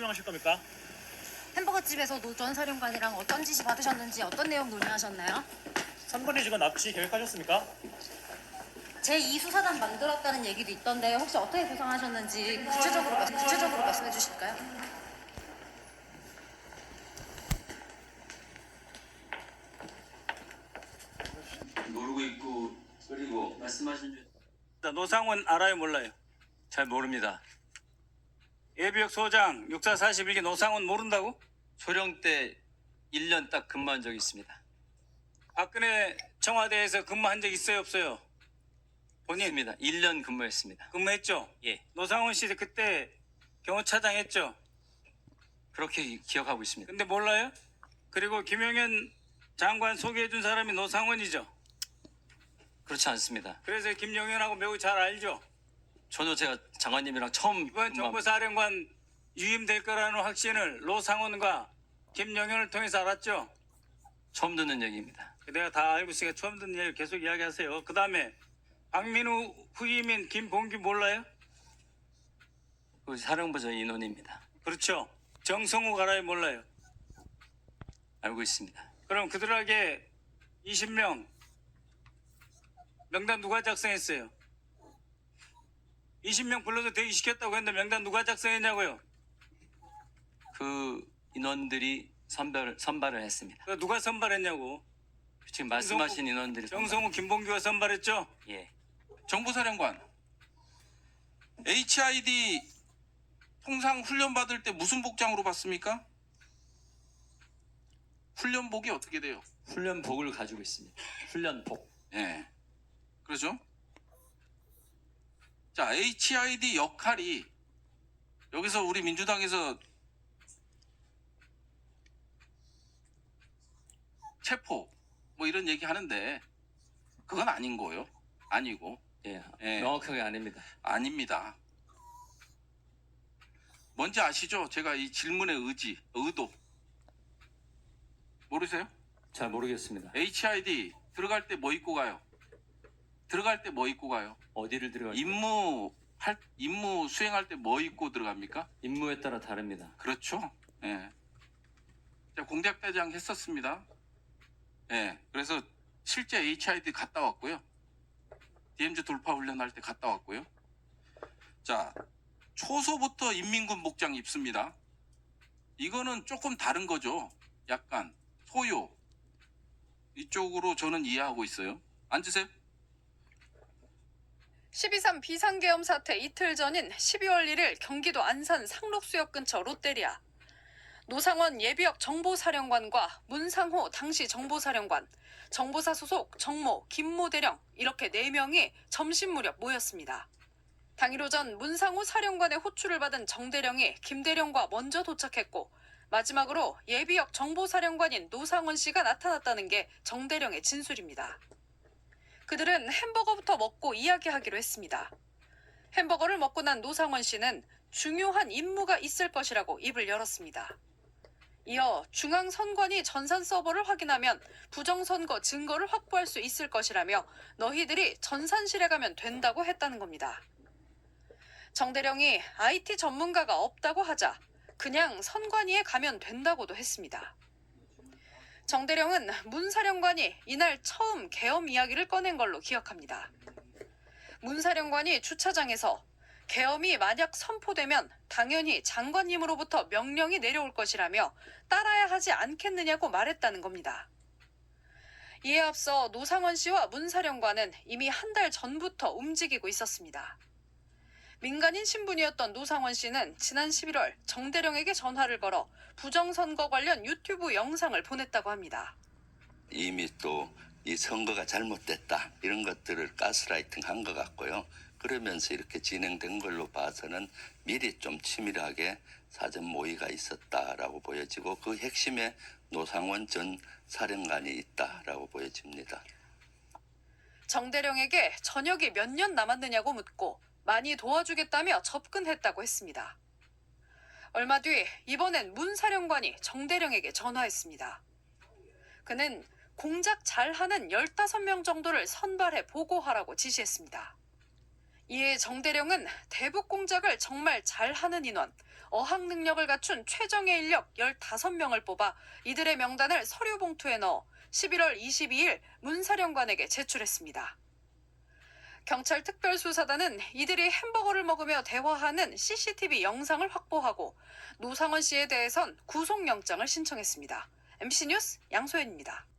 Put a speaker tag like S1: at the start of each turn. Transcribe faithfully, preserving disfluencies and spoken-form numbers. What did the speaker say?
S1: 설명하실 겁니까?
S2: 햄버거집에서 노 전 사령관이랑 어떤 지시 받으셨는지 어떤 내용 논의하셨나요?
S1: 삼거리 직원 납치 계획하셨습니까?
S2: 제이 수사단 만들었다는 얘기도 있던데 혹시 어떻게 구성하셨는지 구체적으로, 말- 구체적으로 말씀해 주실까요?
S3: 모르고 있고 그리고 말씀하신 줄
S4: 노상원 알아요 몰라요?
S3: 잘 모릅니다.
S4: 예비역 소장 육사 사십일 기 노상원 모른다고?
S3: 소령 때 일 년 딱 근무한 적이 있습니다.
S4: 박근혜 청와대에서 근무한 적 있어요 없어요? 본인
S3: 있습니다. 일 년 근무했습니다.
S4: 근무했죠?
S3: 예,
S4: 노상원 씨 그때 경호차장 했죠?
S3: 그렇게 기- 기억하고 있습니다.
S4: 근데 몰라요? 그리고 김용현 장관 소개해준 사람이 노상원이죠?
S3: 그렇지 않습니다.
S4: 그래서 김용현하고 매우 잘 알죠?
S3: 저도 제가 장관님이랑 처음
S4: 이번
S3: 근무한-
S4: 정보사령관 유임될 거라는 확신을 노상원과 김용현을 통해서 알았죠?
S3: 처음 듣는 얘기입니다.
S4: 내가 다 알고 있으니까 처음 듣는 얘기 계속 이야기하세요. 그 다음에 박민우 후임인 김봉규 몰라요?
S3: 그 사령부저 인원입니다.
S4: 그렇죠. 정성우 가라에 몰라요.
S3: 알고 있습니다.
S4: 그럼 그들에게 이십 명 명단 누가 작성했어요? 이십 명 불러서 대기시켰다고 했는데 명단 누가 작성했냐고요?
S3: 그 인원들이 선별, 선발을 했습니다.
S4: 그 누가 선발했냐고.
S3: 지금 말씀하신 인원들이
S4: 정성우 김봉규가 선발했죠?
S3: 선발- 예,
S5: 정보사령관, 에이치아이디 통상 훈련 받을 때 무슨 복장으로 받습니까? 훈련복이 어떻게 돼요?
S3: 훈련복을 가지고 있습니다. 훈련복.
S5: 예. 그러죠? 자, 에이치아이디 역할이 여기서 우리 민주당에서 체포 뭐 이런 얘기 하는데 그건 아닌 거예요. 아니고
S3: 예,
S5: 예.
S3: 명확하게 아닙니다.
S5: 아닙니다. 뭔지 아시죠? 제가 이 질문의 의지, 의도 모르세요?
S3: 잘 모르겠습니다.
S5: 에이치아이디 들어갈 때 뭐 입고 가요? 들어갈 때 뭐 입고 가요?
S3: 어디를 들어갈
S5: 임무 할 임무 수행할 때 뭐 입고 들어갑니까?
S3: 임무에 따라 다릅니다.
S5: 그렇죠. 예. 제가 공작대장 했었습니다. 예. 그래서 실제 에이치아이디 갔다 왔고요. 디엠지 돌파 훈련할 때 갔다 왔고요. 자, 초소부터 인민군 복장 입습니다. 이거는 조금 다른 거죠. 약간 소요. 이쪽으로 저는 이해하고 있어요. 앉으세요.
S6: 십이 삼 비상계엄 사태 이틀 전인 십이월 일일 경기도 안산 상록수역 근처 롯데리아. 노상원 예비역 정보사령관과 문상호 당시 정보사령관, 정보사 소속 정모, 김모 대령 이렇게 네 명이 점심 무렵 모였습니다. 당일 오전 문상호 사령관의 호출을 받은 정 대령이 김 대령과 먼저 도착했고 마지막으로 예비역 정보사령관인 노상원 씨가 나타났다는 게 정 대령의 진술입니다. 그들은 햄버거부터 먹고 이야기하기로 했습니다. 햄버거를 먹고 난 노상원 씨는 중요한 임무가 있을 것이라고 입을 열었습니다. 이어 중앙선관위 전산 서버를 확인하면 부정선거 증거를 확보할 수 있을 것이라며 너희들이 전산실에 가면 된다고 했다는 겁니다. 정 대령이 아이티 전문가가 없다고 하자 그냥 선관위에 가면 된다고도 했습니다. 정 대령은 문 사령관이 이날 처음 계엄 이야기를 꺼낸 걸로 기억합니다. 문 사령관이 주차장에서 계엄이 만약 선포되면 당연히 장관님으로부터 명령이 내려올 것이라며 따라야 하지 않겠느냐고 말했다는 겁니다. 이에 앞서 노상원 씨와 문 사령관은 이미 한 달 전부터 움직이고 있었습니다. 민간인 신분이었던 노상원 씨는 지난 십일월 정 대령에게 전화를 걸어 부정선거 관련 유튜브 영상을 보냈다고 합니다.
S7: 이미 또 이 선거가 잘못됐다 이런 것들을 가스라이팅 한 것 같고요. 그러면서 이렇게 진행된 걸로 봐서는 미리 좀 치밀하게 사전 모의가 있었다라고 보여지고 그 핵심에 노상원 전 사령관이 있다라고 보여집니다.
S6: 정 대령에게 전역이 몇 년 남았느냐고 묻고 많이 도와주겠다며 접근했다고 했습니다. 얼마 뒤 이번엔 문 사령관이 정 대령에게 전화했습니다. 그는 공작 잘하는 열다섯 명 정도를 선발해 보고하라고 지시했습니다. 이에 정대령은 대북 공작을 정말 잘하는 인원, 어학 능력을 갖춘 최정예 인력 열다섯 명을 뽑아 이들의 명단을 서류 봉투에 넣어 십일월 이십이일 문 사령관에게 제출했습니다. 경찰 특별수사단은 이들이 햄버거를 먹으며 대화하는 씨씨티비 영상을 확보하고 노상원 씨에 대해선 구속영장을 신청했습니다. 엠비씨 뉴스 양소연입니다.